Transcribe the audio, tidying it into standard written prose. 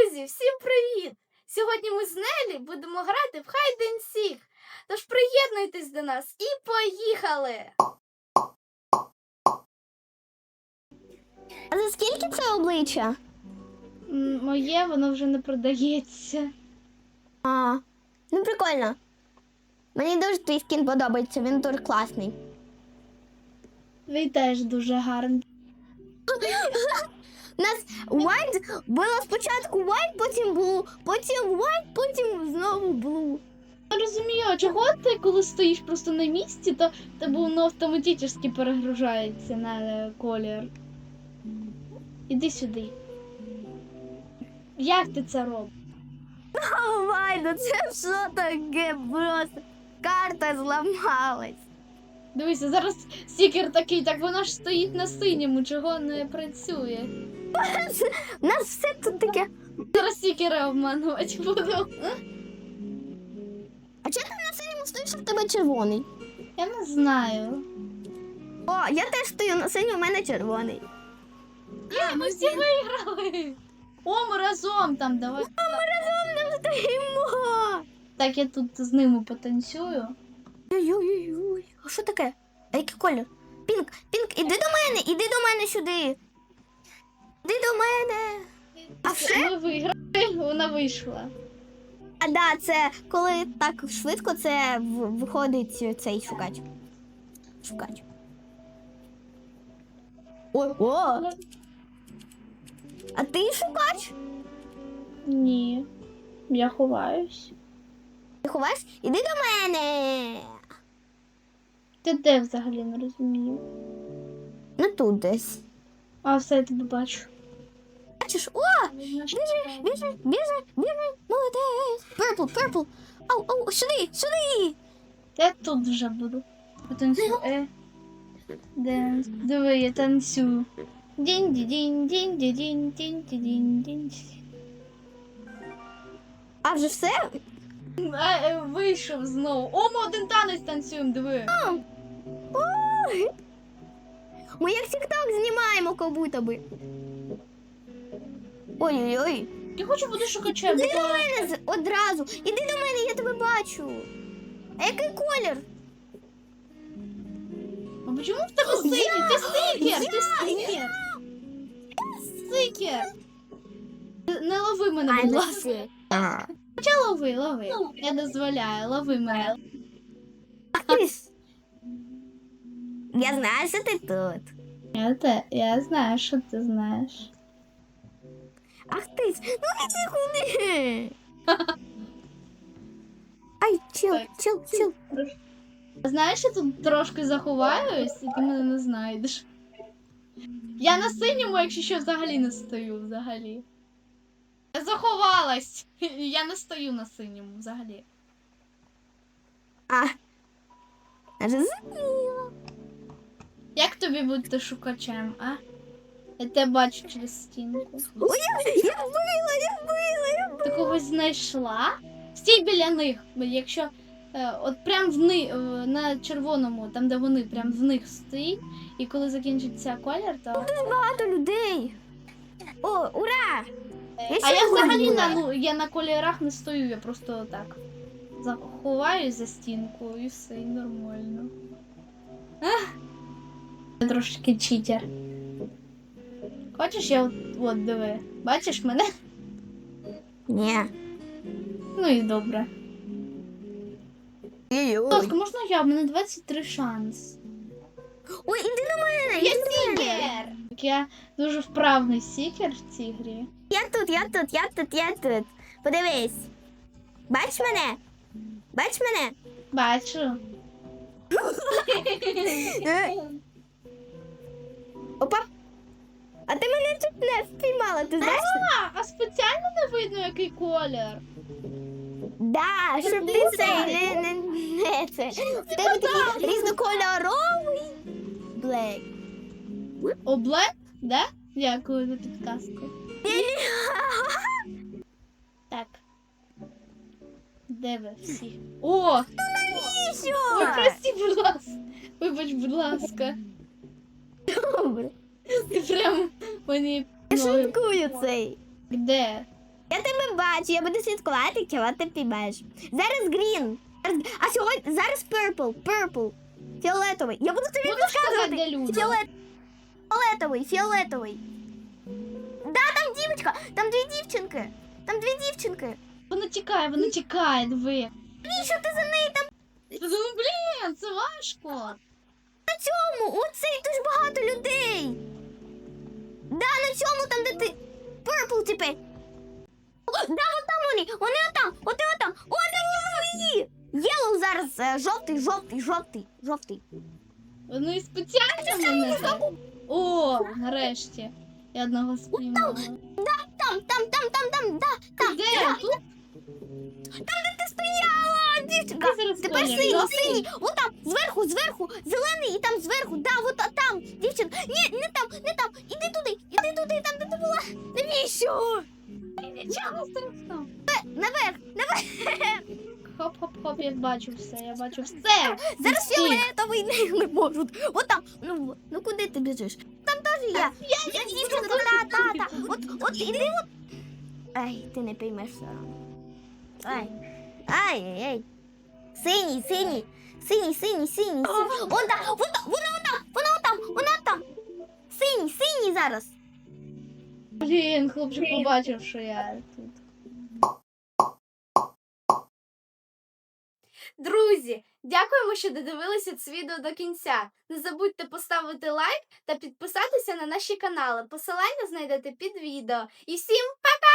Друзі, всім привіт! Сьогодні ми з Нелі будемо грати в Hide and Seek. Тож приєднуйтесь до нас і поїхали! А за скільки це обличчя? Моє, воно вже не продається. Ну прикольно. Мені дуже твій скін подобається, він дуже класний. Він теж дуже гарний. У нас white було спочатку white, потім blue, потім white, потім знову blue. Я розумію, а чого ти, коли стоїш просто на місці, то тебе воно автоматично перегружається на колір. Іди сюди. Як ти це робиш? Вайно, це що таке просто? Карта зламалась. Дивися, зараз стікер такий, так вона ж стоїть на синьому, чого не працює. У нас все тут таке. Зараз стікери обманувати буду. А чого ти на синьому стоїш, а в тебе червоний? Я не знаю. О, я теж стою на синьому, у мене червоний. Ми всі виграли. О, ми разом там, давай. Ми разом не стоїмо. Так, я тут з ними потанцюю. Ой-ой-ой. А що таке? А який колір? Пінк, іди до мене сюди. Іди до мене. А все? Ми виграли, вона вийшла. А да, це коли так швидко, це виходить цей шукач. Шукач. О! А ти шукач? Ні, я ховаюсь. Ти ховаєш? Іди до мене. Ти де взагалі, не розумію. Ну тут десь. А, все, я тебе бачу. Бачиш? О! Біжи, молодець. Purple. Ау, сюди. Я тут вже буду. Потанцюю. Денс. Диви, я танцюю. Дінь-ді-дінь. А вже все? Вийшов знову. О, ми один танець танцюємо, диви. Ой. Ми як тік-ток знімаємо, як будто би. Ой-ой-ой. Я хочу бути шукачем. Іди до мене одразу. Іди до мене, я тебе бачу. А який колір? А чому в тебе синій? Ти стикер! Стикер! Не лови мене, будь ласка. Хоча лови. Я дозволяю, лови мене. Я знаю, що ти тут. Я знаю, що ти знаєш. Ах ти, ну іди куди. Ай, чил. Знаєш, я тут трошки заховаюсь, і ти мене не знайдеш. Я на синьому, якщо що, взагалі не стою, взагалі. Я заховалась. Я не стою на синьому, взагалі. Розуміло. Як тобі бути шукачем, а? Я тебе бачу через стінку. Ой, я вбила. Ти когось знайшла? Стій біля них, бо якщо от прям на червоному, там де вони, прям в них стоїть, і коли закінчиться колір, то... Дуже багато людей. О, ура! А я взагалі я на кольорах не стою, я просто так заховаюсь за стінку і все, і нормально. Я трошки читер. Хочеш, я от диви, бачиш мене? Ні. Ну і добре. Будь ласка, можна я? У мене 23 шанс. Ой, іди до мене, Я сікер! Я дуже вправний сікер в цій грі. Я тут. Подивись. Бачиш мене? Бачу. Опа. А ти мене тут не впіймала, ти знаєш? А спеціально не видно, який колір? Да, щоб ти не це. В тебе такий різнокольоровий блек. О, блек? Да? Дякую за підказку. Так. Де ви всі? О! Ой, прости, будь ласка. Вибач, будь ласка. Добре. Ти прям мені... Я шуткую цей. Де? Я тебе бачу, я буду слідкувати, чого ти підеш. Зараз green. А сьогодні зараз purple. Фіолетовий. Я буду тобі Можеш сказати, де підказувати. люди? Фіолетовий. Да, там дівчинка. Там дві дівчинки. Вона тікає, диви. Навіщо ти за нею там Ну, блін, це важко. на цьому? Оцей дуже багато людей. Да, на цьому там, де ти. Purple тепер. Да, отам вони отам. О, там вони. Yellow зараз жовтий. Вони спеціально мене так. О, нарешті. Я одного спіймала. Там, да. Де? Тут? Там, де ти стояла, дівчинка. Який зараз Тепер колір? синій. Жовтий? От там, зверху, зелений і там зверху. Да, от там, дівчинка. Ні, не там. Іди туди, там, де ти була. Навіщо? Нічого страшного. Наверх. Хоп-хоп-хоп, я бачу все. Зараз Всі. фіолетовий не можуть. От там, ну куди ти біжиш? Там теж я. Я дівчинка, та. От іди от. Ай, ти не поймеш все одно. Ай. Синій. Вона там. Синій зараз. Блін, хлопчик побачив, що я тут. Друзі, дякуємо, що додивилися це відео до кінця. Не забудьте поставити лайк та підписатися на наші канали. Посилання знайдете під відео. І всім пока!